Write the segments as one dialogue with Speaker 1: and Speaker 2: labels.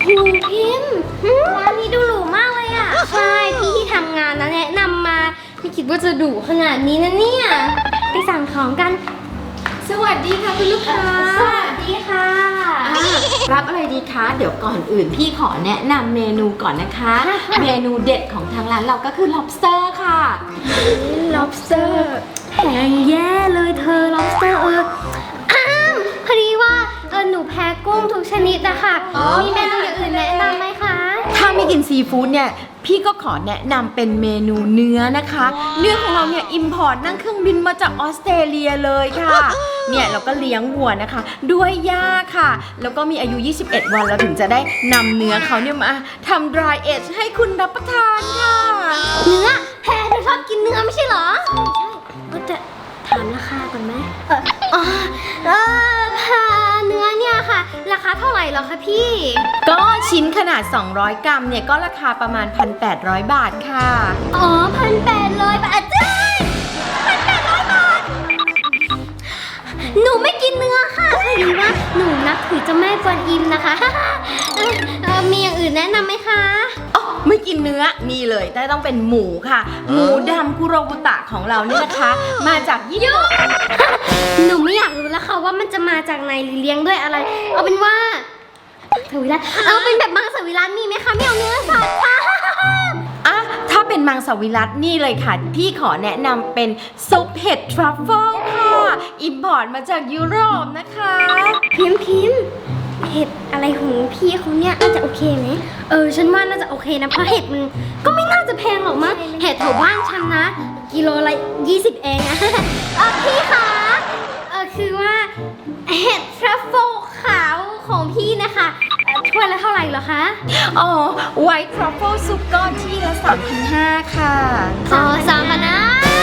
Speaker 1: หูพิมพ์ร้านนี้ดูหรูมากเลยอ่ะใช่พี่ที่ทำงานนะแนะนำมาไม่คิดว่าจะดุขนาดนี้นะเนี่ยไปสั่งของกัน
Speaker 2: สวัสดีค่ะคุณลูกค้า
Speaker 1: สวัสดีค่ะ
Speaker 2: รับอะไรดีคะเดี๋ยวก่อนอื่นพี่ขอแนะนำเมนูก่อนนะคะเมนูเด็ดของทางร้านเราก็คือ lobster ค่ะ
Speaker 1: lobster แพงแย่เลยเธอ lobster พอดีว่าหนูแพ้กุ้งทุกชนิดนะคะมีเมนูอย่างอื่นแนะนำไหมคะ
Speaker 2: ถ้าไม่กินซีฟู้ดเนี่ยพี่ก็ขอแนะนำเป็นเมนูเนื้อนะคะเนื้อของเราเนี่ยอิมพอร์ตนั่งเครื่องบินมาจากออสเตรเลียเลยค่ะเนี่ยเราก็เลี้ยงวัวนะคะด้วยหญ้าค่ะแล้วก็มีอายุ 21 วันเราถึงจะได้นำเนื้อเขาเนี่ยมาทำ dry age ให้คุณรับประทานค่ะ
Speaker 1: เนื้อแพ้เธอชอบกินเนื้อไม่ใช่เหรอใช่ก็จะถามราคาก่อนไหมเนื้อเนี่ยค่ะราคาเท่าไหร่เหรอคะพี่
Speaker 2: ก็ชิ้นขนาด200 กรัมเนี่ยก็ราคาประมาณ 1,800 บาทค่ะ
Speaker 1: อ๋อ1,800 บาทจ้า1,800 บาทหนูไม่กินเนื้อค่ะพอดีว่าหนูนับถือเจ้าแม่กวนอิมนะคะมีอย่างอื่นแนะนำไหมคะ
Speaker 2: อ๋อไม่กินเนื้อนี่เลยแต่ต้องเป็นหมูค่ะหมูดำคุโรบุตะของเราเนี่ยนะคะมาจากญี่ปุ่น
Speaker 1: หนูไม่อยากรู้แล้วค่ะว่ามันจะมาจากไหนหรือเลี้ยงด้วยอะไรเอาเป็นว่าสวิรัติเอาเป็นแบบมังสวิรัติมีไหมคะไม่เอาเนื้อสัตว์ค่ะ
Speaker 2: ถ้าเป็นมังสวิรัตินี่เลยค่ะพี่ขอแนะนำเป็นซุปเห็ดทรัฟเฟิลค่ะอิมพอร์ตมาจากยุโรปนะคะ
Speaker 1: พิมเห็ดอะไรของพี่เขาเนี่ยน่าจะโอเคไหมฉันว่าน่าจะโอเคนะเพราะเห็ดมันก็ไม่น่าจะแพงหรอกมั้งเห็ดแถวบ้านฉันนะกิโลละ20เองอะพี่คะคือว่าเห็ดทรัฟเฟิลขาวของพี่นะคะถ้วยละเท่าไหร่เหรอคะ
Speaker 2: อ๋อไวท์ทรัฟเฟิลซุปก้อนที่ละ 3,500 ค่ะ
Speaker 1: 3,500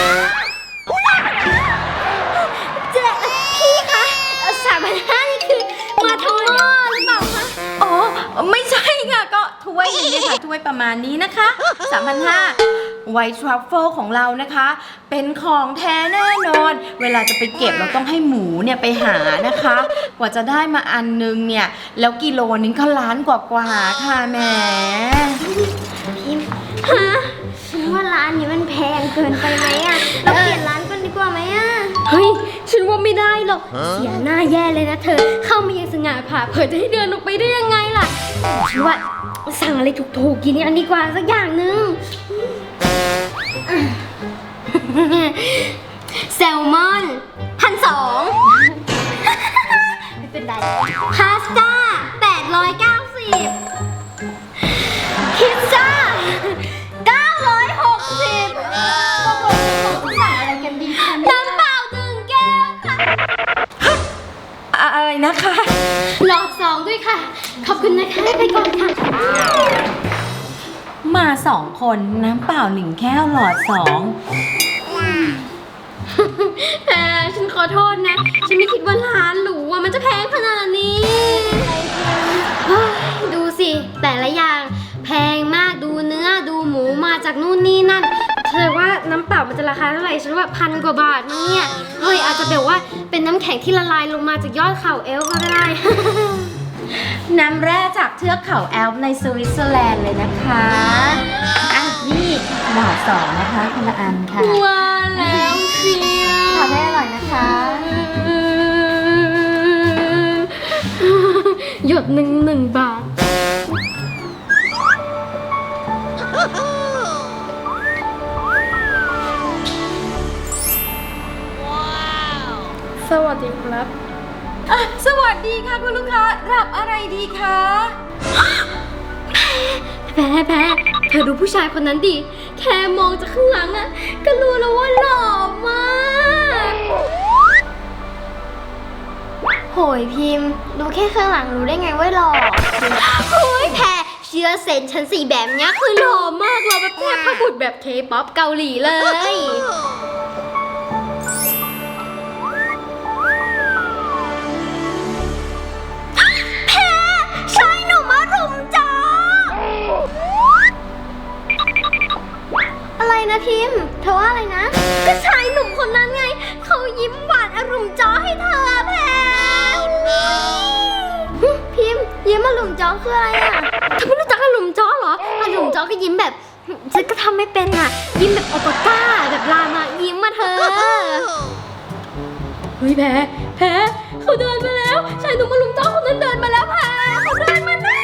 Speaker 1: พี่คะ3,500นี่คือมาทั้งหม้อหรือเปล่าคะ
Speaker 2: อ๋อไม่ใช่ค่ะก็ถ้วยนี้ค่ะถ้วยประมาณนี้นะคะ 3,500ไวท์ทรัฟเฟิลของเรานะคะเป็นของแท้แน่นอนเวลาจะไปเก็บเราต้องให้หมูเนี่ยไปหานะคะกว่าจะได้มาอันนึงเนี่ยแล้วกิโลนึงก็ล้านกว่าค่ะแหม
Speaker 1: พิมฉันว่าร้านนี้มันแพงเกินไปไหมอะเราเปลี่ยนร้านกันดีกว่าไหมอะเฮ้ยฉันว่าไม่ได้หรอกเสียหน้าแย่เลยนะเธอเข้ามายังสง่าผ่าเผยจะให้เดินออกไปได้ยังไงล่ะฉันว่าสั่งอะไรถูกๆกินกันดีกว่าสักอย่างนึงแซลมอน1,200ไม่เป็นไรพาสต้า890พิซซ่า960
Speaker 2: สั่งอะไรกันดีคะ
Speaker 1: น้ำเปล่า1 แก้วค่ะ
Speaker 2: อะไรนะคะ
Speaker 1: หลอด2ด้วยค่ะขอบคุณนะคะไปก่อนค่ะ
Speaker 2: มา2 คนน้ำเปล่า1 แก้วหลอด2
Speaker 1: ฉันขอโทษนะฉันไม่คิดว่าร้านหรูมันจะแพงขนาดนี้ดูสิแต่ละอย่างแพงมากดูเนื้อดูหมูมาจากนู่นนี่นั่นเธอว่าน้ำเปล่ามันจะราคาเท่าไหร่ฉันว่า1,000 กว่าบาทมั้งเนี่ยเฮ้ยอาจจะแบบว่าเป็นน้ำแข็งที่ละลายลงมาจากยอดเขาเอลป์ก็ได้
Speaker 2: น้ำแร่จากเทือกเขาแอลป์ในสวิตเซอร์แลนด์เลยนะคะนี่หลอด2นะคะคนละอันค่ะ
Speaker 1: ว้าแล้วเชียว
Speaker 2: ทำให้อร่อยนะคะ
Speaker 1: หยด1 บาท
Speaker 2: สวัสดีครับสวัสดีค่ะคุณลูกค้ารับอะไรดีคะ
Speaker 1: แพ้เธอดูผู้ชายคนนั้นดิแค่มองจากข้างหลังอะก็รู้แล้วว่าหล่อมากโหยพิมพ์ดูแค่ข้างหลังรู้ได้ไงว่าหล่อโอ้ยแพ้เชื่อเซนฉันสีแบบนี้คือหล่อมากหล่อแบบเทพบุตรแบบเคป๊อปเกาหลีเลยอะไรนะพิมพ์เธอว่าอะไรนะก็ชายหนุ่มคนนั้นไงเขายิ้มหวานอารมณ์จ้อให้เธอแพรพิมพ์ยิ้มอารมณ์จ้อคืออะไรอ่ะเธอไม่รู้จักอารมณ์จ้อเหรออารมณ์จ้อก็ยิ้มแบบฉันก็ทำไม่เป็นอ่ะยิ้มแบบโอปป้าแบบลามายิ้มมาเธอเฮ้ยแพ้เขาเดินมาแล้วชายหนุ่มอารมณ์จ้อคนนั้นเดินมาแล้วแพ้เขาเดินมาแล้ว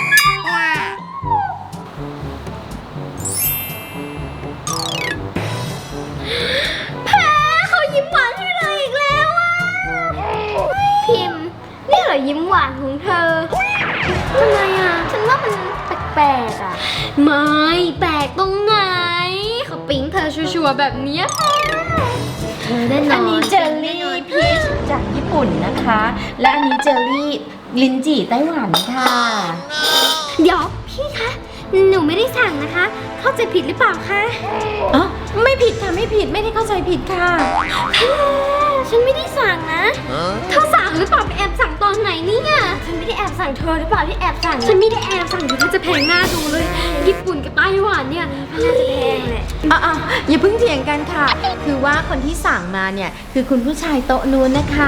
Speaker 1: แพ้เขายิ้มหวานให้เราอีกแล้วอ่ะพิมพ์นี่เหรอยิ้มหวานของเธอทำไมอ่ะฉันว่ามันแปลกๆอ่ะไม่แปลกตรงไหนเขาปิ๊งเธอชัวร์ๆแบบเนี้ยเธอแน่นอน
Speaker 2: อันนี้เจลลี่พีชจากญี่ปุ่นนะคะ และอันนี้เจลลี่ลิ้นจี่ไต้หวันค่ะ
Speaker 1: เดี๋ยวพี่คะหนูไม่ได้สั่งนะคะ เข้าใจผิดหรือเปล่าคะ
Speaker 2: อ๋อไม่ผิดค่ะไม่ผิดไม่ได้เข้าใจผิดค่ะ
Speaker 1: ฉันไม่ได้สั่งนะเธอสั่งหรือเปล่าไปแอบสั่งตอนไหนเนี่ยฉันไม่ได้แอบสั่งเธอหรือเปล่าที่แอบสั่งฉันไม่ได้แอบสั่งเดี๋ยวเธอจะแพงหน้าดูเลยญี่ปุ่นกับไต้หวันเนี่ยน่าจะแพงแหละ
Speaker 2: อ่ะอย่าเพิ่งเถียงกันค่ะ คือว่าคนที่สั่งมาเนี่ยคือคุณผู้ชายโต๊ะนู้นนะคะ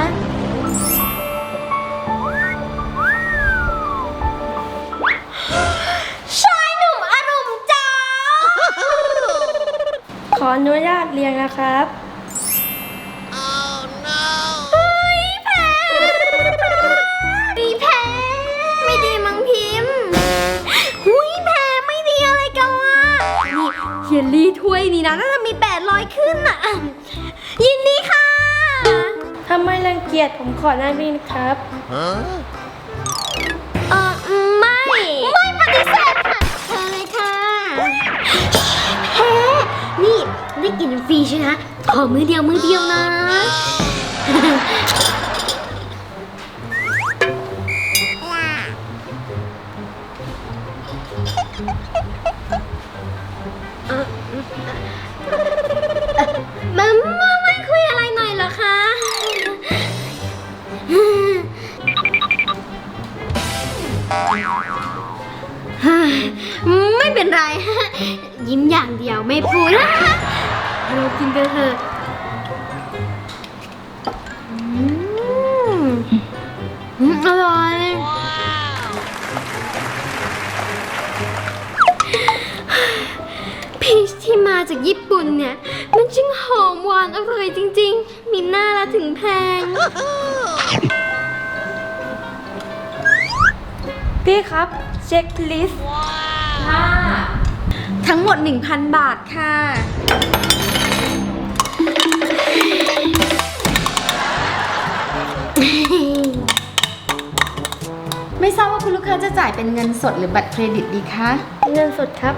Speaker 1: ชายหนุ่มอารมณ์จ้า
Speaker 3: ขออนุญาตเรียงนะครับ
Speaker 1: เฮ้ยแพ้แพ้ไม่ดีมั้งพิมพ์หุยแพ้ไม่ดีอะไรกันวะนี่เยลลี่ถ้วยนี้นะน่าจะมี800ขึ้นอ่ะยินดีค่ะ
Speaker 3: ถ้าไม่รังเกียจผมขอนั่งนี่นะครับ
Speaker 1: ไม่ปฏิเสธค่ะเชิญเลยค่ะแพ้นี่ได้กินฟรีใช่ไหมขอมือเดียวนะ ไม่คุยอะไรหน่อยเหรอคะไม่เป็นไร ยิ้มอย่างเดียวไม่พูดเรากินกันเถอะอร่อยพีชที่มาจากญี่ปุ่นเนี่ยมันช่างหอมหวานอร่อยจริงๆมีหน้าละถึงแพง
Speaker 3: พี่ครับเช็คลิสต์
Speaker 2: ค่ะ ทั้งหมด 1,000 บาทค่ะ ไม่ทราบว่าคุณลูกค้าจะจ่ายเป็นเงินสดหรือบัตรเครดิตดีคะ
Speaker 3: เงินสดครับ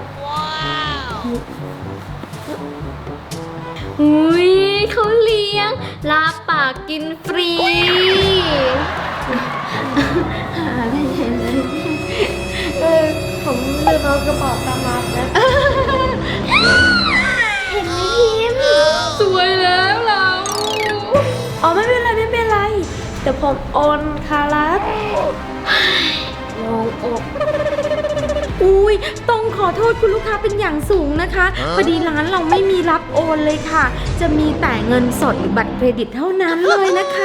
Speaker 1: อุ้ยเขาเลี้ยงลาปากกินฟรี
Speaker 3: ผมลืมเอากระเป๋าตังค์มาครับ
Speaker 1: เห็นไหมพิมพ์สวยแล้วเรา
Speaker 3: อ๋อไม่เป็นไรเดี๋ยวผมโอนครับลงอก
Speaker 2: อุ้ยต้องขอโทษคุณลูกค้าเป็นอย่างสูงนะคะพอดีร้านเราไม่มีรับโอนเลยค่ะ จะมีแต่เงินสดหรือบัตรเครดิตเท่านั้นเลยนะคะ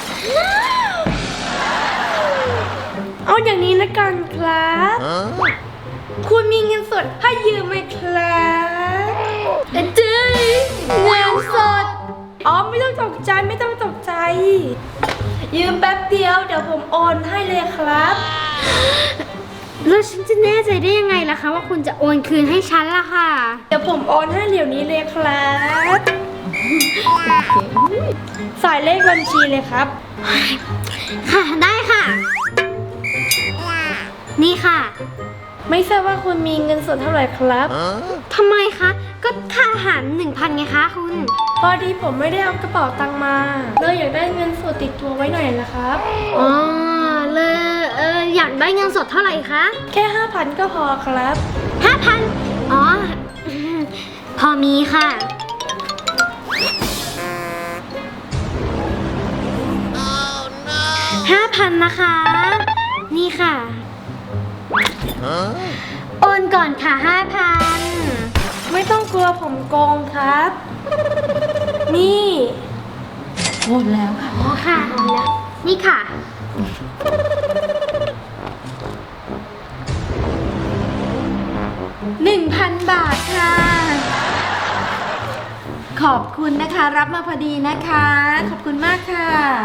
Speaker 3: เอาอย่างนี้ละกันครับ คุณมีเงินสดให้ยืมไหมครับ
Speaker 1: เจ๊เงินสด
Speaker 3: อ๋อไม่ต้องตกใจยืมแป๊บเดียวเดี๋ยวผมโอนให้เลยครับ
Speaker 1: แล้วฉันจะแน่ใจได้ยังไงล่ะคะว่าคุณจะโอนคืนให้ฉันล่ะค่ะ
Speaker 3: เดี๋ยวผมโอนให้เดี๋ยวนี้เลยครับใส่เลขบัญชีเลยครับ
Speaker 1: ค่ะได้ค่ะ นี่ค่ะ
Speaker 3: ไม่ทราบว่าคุณมีเงินสดเท่าไหร่ครับ
Speaker 1: ทำไมคะ ก็ค่าอาหาร 1,000ไงคะคุณ
Speaker 3: พอดีผมไม่ได้เอากระเป๋าตังค์มาเลยอยากได้เงินสดติดตัวไว้หน่อยนะครับ
Speaker 1: อ๋อเลยอยากได้เงินสดเท่าไหร่คะ
Speaker 3: แค่ 5,000 ก็พอครับ
Speaker 1: 5,000อ๋อ พอมีค่ะ 5,000นะคะ นี่ค่ะ โอนก่อนค่ะ 5,000
Speaker 3: ไม่ต้องกลัวผมโกงครับ นี่
Speaker 2: โอนแล้วค่ะ
Speaker 1: อ๋อค่ะ นี่ค่ะ
Speaker 2: 1,000 บาทค่ะ ขอบคุณนะคะ รับมาพอดีนะคะ ขอบคุณมากค่ะ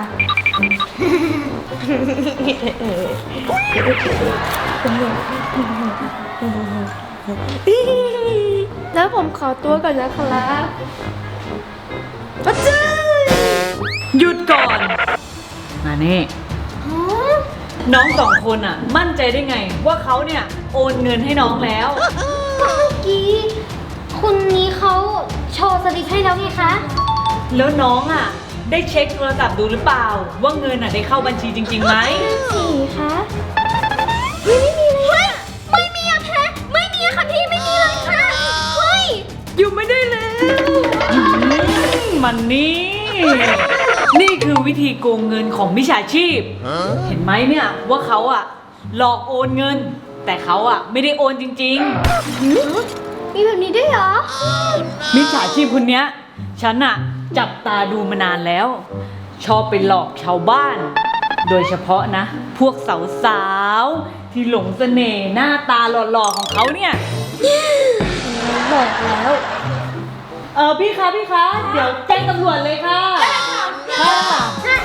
Speaker 3: แล้วผมขอตัวก่อนนะครับป้าจื้อ
Speaker 4: หยุดก่อนมานี่น้องสองคนอ่ะ มั่นใจได้ไงว่าเขาเนี่ยโอนเงินให้น้องแล้ว
Speaker 1: เมื่อกี้คุณนี้เขาโชว์สลิปให้แล้วไงคะ
Speaker 4: แล้วน้องอ่ะ ได้เช็คโทรศัพท์ดูหรือเปล่า ว่าเงินอ่ะได้เข้าบัญชีจริงๆไหม
Speaker 1: สี่คะไม่มีเลยไม่มีอะแพ้ไม่มีอะค่ะพี่ไม่มีเลยค่ะเฮ้ย
Speaker 4: อยู่ไม่ได้แล้วมันนี่ นี่คือวิธีโกงเงินของมิจฉาชีพ เห็นไหมเนี่ยว่าเขาอ่ะ หลอกโอนเงิน แต่เขาอ่ะไม่ได้โอนจริง
Speaker 1: มีแบบนี้ด้วยเหรอ
Speaker 4: ๆ มิจฉาชีพคนเนี้ย ฉันอ่ะจับตาดูมานานแล้ว ชอบไปหลอกชาวบ้าน โดยเฉพาะนะ พวกสาวๆที่หลงเสน่ห์หน้าตาหล่อๆของเขาเนี่ย
Speaker 1: บอกแล้ว
Speaker 4: พี่คะ เดี๋ยวแจ้งตำรวจเลยค่ะ ค่ะ